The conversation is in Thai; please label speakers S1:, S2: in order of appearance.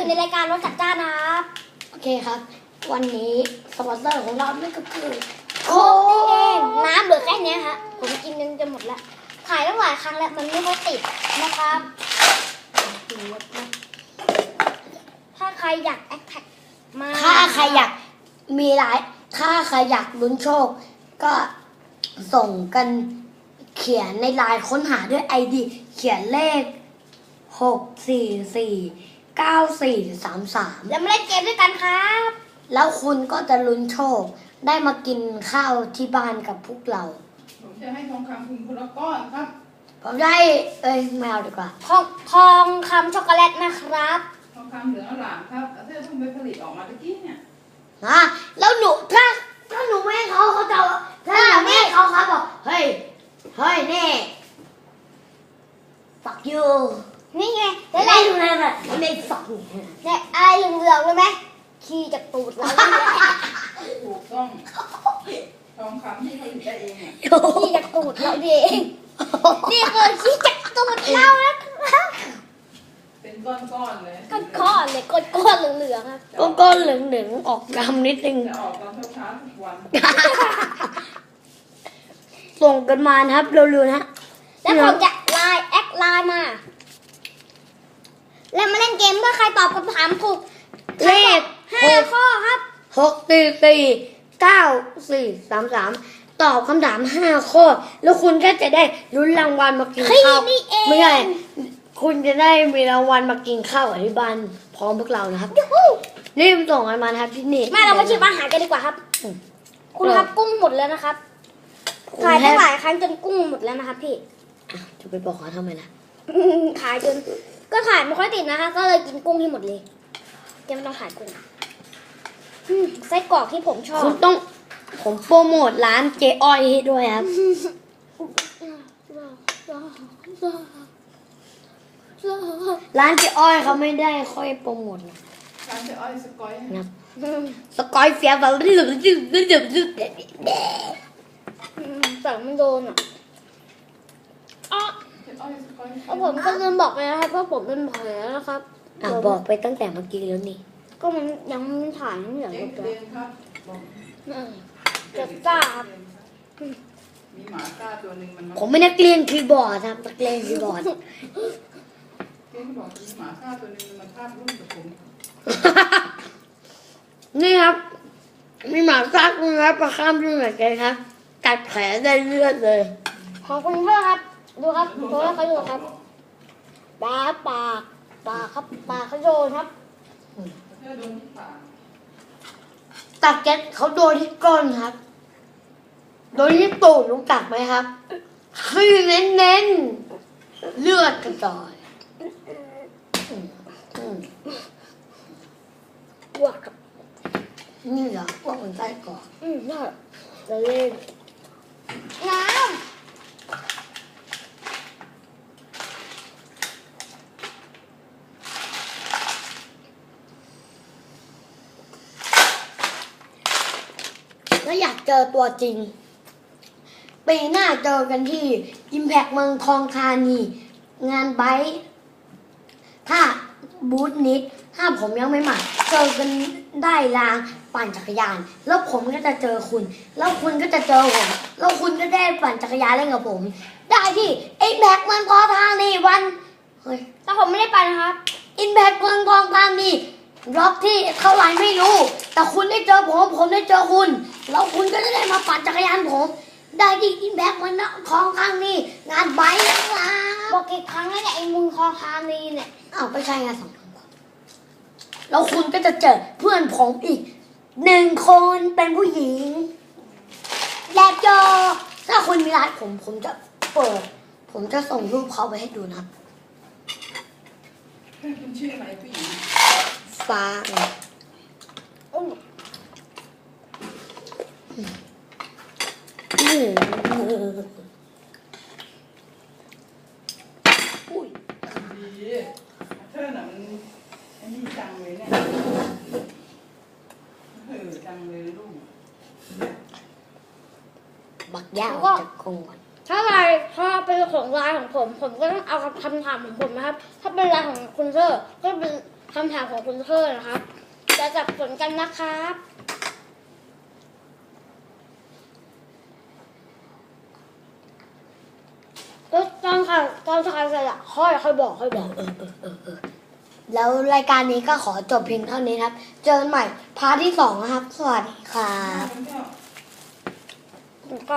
S1: อยู่ในรายการรถจัดจ้านนะครับ
S2: โอเคครับวันนี้สปอนเซอร์ของเรานี่ก็คือโค้
S1: นี่เอง
S2: ก
S1: น้ำเหลือแค่นี้ฮะผมกินจนหมดแล้วถ่ายตั้งหลายครั้งแล้วมันไม่ค่อยติดนะครับถ้าใครอยากแอคแท็กมา
S2: ถ้าใครอยากมีหลายถ้าใครอยากลุ้นโชค ก็ส่งกันเขียนในไลน์ค้นหาด้วย ID เขียนเลข6449433
S1: แล้วมาเล่นเกมด้วยกันครับ
S2: แล้วคุณก็จะลุ้นโชค ได้มากินข้าวที่บ้านกับพวกเรา
S3: ผมจะให้ทองคำคุณคนละก้อนครับ
S2: ผมได้ไม่เอาดีกว่า
S1: ทองคำช็อกโกแลตนะครับ
S3: ทองคำเหลืองอร่ามครับแล้วที่เพิ่งไปผลิตออกมาตะกี้เนี่ย
S2: แล้วหนูถ้าหนูไม่ให้เขาจะถ้าหนูไม่ให้เขาบอกเฮ้ยนี่ fuck you
S1: นี่ไง
S2: ไม่
S1: แล้ว
S2: ได้
S1: อะไร
S2: ดูเลยแบบไม่ fuck you
S1: เนี่ยอะไรเหลืองๆเลยไหมขี้จากตูดเรา
S3: ถูกต้องทองคำที่ผลิตได้เองเนี่ย
S1: ขี้จากตูดเราเองนี่คือขี้จากตูดเรานะครับ
S3: เป็นก้อนๆเลย
S1: ก้อนๆเลยก้อนๆเหลืองๆครับ
S2: ก็เหลืองๆออกดำนิดนึง
S3: จะออกตอนเช้าๆทุกวัน
S2: ส่งกันมานะครับเร็วๆนะ
S1: แล้วผมจะแอดไลน์มา แล้วมาเล่นเกมเมื่อใครตอบคำถามถูก
S2: เลข
S1: 5 ข้อครับ
S2: 6449433ตอบคำถาม5ข้อแล้วคุณก็จะได้ลุ้นรางวัลมากินข้าว
S1: นี่เอง
S2: ไม่ใช่คุณจะได้มีรางวัลมากินข้าวกับที่บ้านพร้อมพวกเรานะครับ
S1: ยูฮู
S2: รีบส่งกันมานะครับที่นี่
S1: มาเรามาชิมอาหารกันดีกว่าครับ คุณครับกุ้งหมดแล้วนะครับขายตั้งหลายครั้งจนกุ้งหมดแล้วนะครับพี่
S2: จะไปบอกเขาทำไมล่ะ
S1: ขายจนก็ขายไม่ค่อยติดนะคะ ก็เลยกินกุ้งให้หมดเลยยังไม่ต้องขายกุ้งไส้กรอกที่ผมชอบ
S2: คุณต้องผมโปรโมทร้านเจ๊อ้อยให้ด้วยครับ ร้านเจ๊อ้อยเขาไม่ได้ค่อยโปรโมทนะ
S3: ร้านเจ๊อ้อยสกอย
S2: ครับสกอยเฟียแบบดื้อๆ
S1: แต่มันโดนอ่ะอ๋อ
S3: เจ๊อ้อยสกอย
S1: แล้วผมก็ลืมบอกไปนะครับว่าผมเป็นแผลนะครับ
S2: บอกไปตั้งแต่เมื่อกี้แล้วนี่
S1: ก็มันยังไม่ถ่ายไม่เหลือ
S3: เจ๊
S1: เลย
S3: เรียนครับบอก
S1: จะจ้าครับ
S3: มีหมาก้าตัวหนึ่งมัน
S2: ผมไม่นักเรียนคีย์บอร์ดครับนักเรียนคีย์บอร์ด
S3: เจ๊บอกมีหมาก้าตัวหนึ่งมันมาคาบรุ่นกับผม
S2: นี่ครับมีหมาซักนะครับประข้ามด้วยเหมือนกันครับกัดแผลได้เลือดเลย
S1: ขอบคุณเพื่อนครับ ดูครับโดนเขาอยู่ครับปากครับปากเขาโดนครับ
S3: เธอโดนที่ปาก
S2: ตัดแก๊สเขาโดนที่ก้นครับโดนที่ตูดรู้จักไหมครับคือเน้นๆเลือดกระจายอืม
S1: บวกกับ
S2: นี่เหรอพวกมันไส้กรอก
S1: น่าจะเล่นน้
S2: ถ้าอยากเจอตัวจริงปีหน้าเจอกันที่ Impact เมืองทองธานีงานไบค์ถ้าบูธนิดถ้าผมยังไม่มาเจอกันได้รางปั่นจักรยาน แล้วผมก็จะเจอคุณ แล้วคุณก็จะเจอผมแล้วคุณก็ได้ปั่นจักรยานเล่นกับผม ได้ที่ Impact เมืองทองธานีวันเฮ้ย
S1: แต่ผมไม่ได้ไปนะครับ
S2: Impact เมืองทองธานีรอบที่เท่าไหร่ไม่รู้ แต่คุณได้เจอผมได้เจอคุณแล้วคุณก็จะได้มาปั่นจักรยานผมได้ที่ Impact เมืองทองธานีงานไบค์นะครับ
S1: บอกกี่ครั้งแล้วเนี่ยไอ้มึงคอคานีเนี่ย
S2: อ้าวไม่ใช่ไง2 ครั้งแล้วคุณก็จะเจอเพื่อนผมอีก1 คนเป็นผู้หญิงและเจอถ้าคุณมีร้านผมจะเปิด ผมจะส่งรูปเขาไปให้ดูนะครับ
S3: คุณชื่ออะไรผู้หญิง
S2: ฟ้า
S1: อุ้ย
S2: อุ้ย
S3: ดีเธอน่ะมันไอ้นี่จังเลยเนี่ยจังเลยลูก
S2: บักยาวจะคงก่อน
S1: ถ้าเป็นของไลน์ของผมก็ต้องเอาคำถามของผมนะครับ ถ้าเป็นไลน์ของคุณเซอร์ก็เป็นคำถามของคุณเพื่อนนะครับ จะจับสนกันนะครับตอนถ่ายเสร็จอะค่อยบอก
S2: แล้วรายการนี้ก็ขอจบเพียงเท่านี้ครับ เจอกันใหม่พาร์ทที่ 2 นะครับ สวัสดีครับ
S1: ก็